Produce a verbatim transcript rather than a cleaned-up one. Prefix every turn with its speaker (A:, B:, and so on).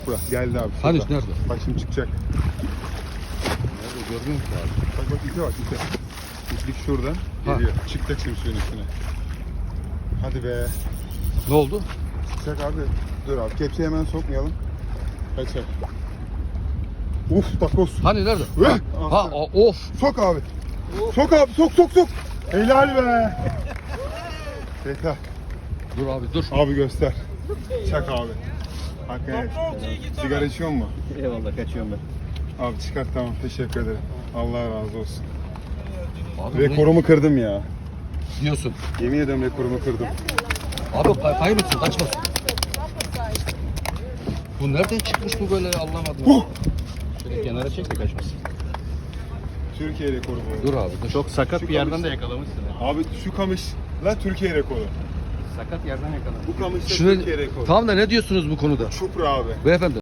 A: Bura geldi abi.
B: Hani
A: şurada.
B: nerede?
A: Bak şimdi çıkacak.
B: Nerede görmüyorum ki abi.
A: Bak bak ipe bak ipe. İplik şuradan
B: Ha.
A: geliyor. Çıkacak şimdi suyun üstüne. Hadi be.
B: Ne oldu?
A: Çıkacak abi. Dur abi kepçeyi hemen sokmayalım. Kaçak. Uf takoz.
B: Hani nerede?
A: Hıh!
B: Ha o- of.
A: Sok abi. Sok abi sok sok sok. Helal be. Yeter.
B: Dur abi dur.
A: Abi göster. Çak abi. Hakikaten. Sigara içiyor mu?
C: Eyvallah kaçıyorum ben.
A: Abi çıkart tamam teşekkür ederim. Allah razı olsun.
B: Abi bunu
A: Rekorumu kırdım ya.
B: diyorsun.
A: Yemin ederim rekorumu kırdım.
B: Abi kay kaybetsin kaçmasın. Bu nereden çıkmış bu böyle anlamadım.
A: Huh!
B: Şöyle kenara çek de kaçmasın.
A: Türkiye rekoru bu.
B: Dur abi dur.
C: Çok sakat
A: Şu
C: bir yerden
A: kamış-
C: de yakalamışsın. ha.
A: Abi şu kamış la Türkiye rekoru.
C: Sakat yerden yakalamışsın.
A: Bu kamış da
B: Şunu,
A: Türkiye rekoru.
B: tamam da ne diyorsunuz bu konuda?
A: Çupra abi.
B: Beyefendi.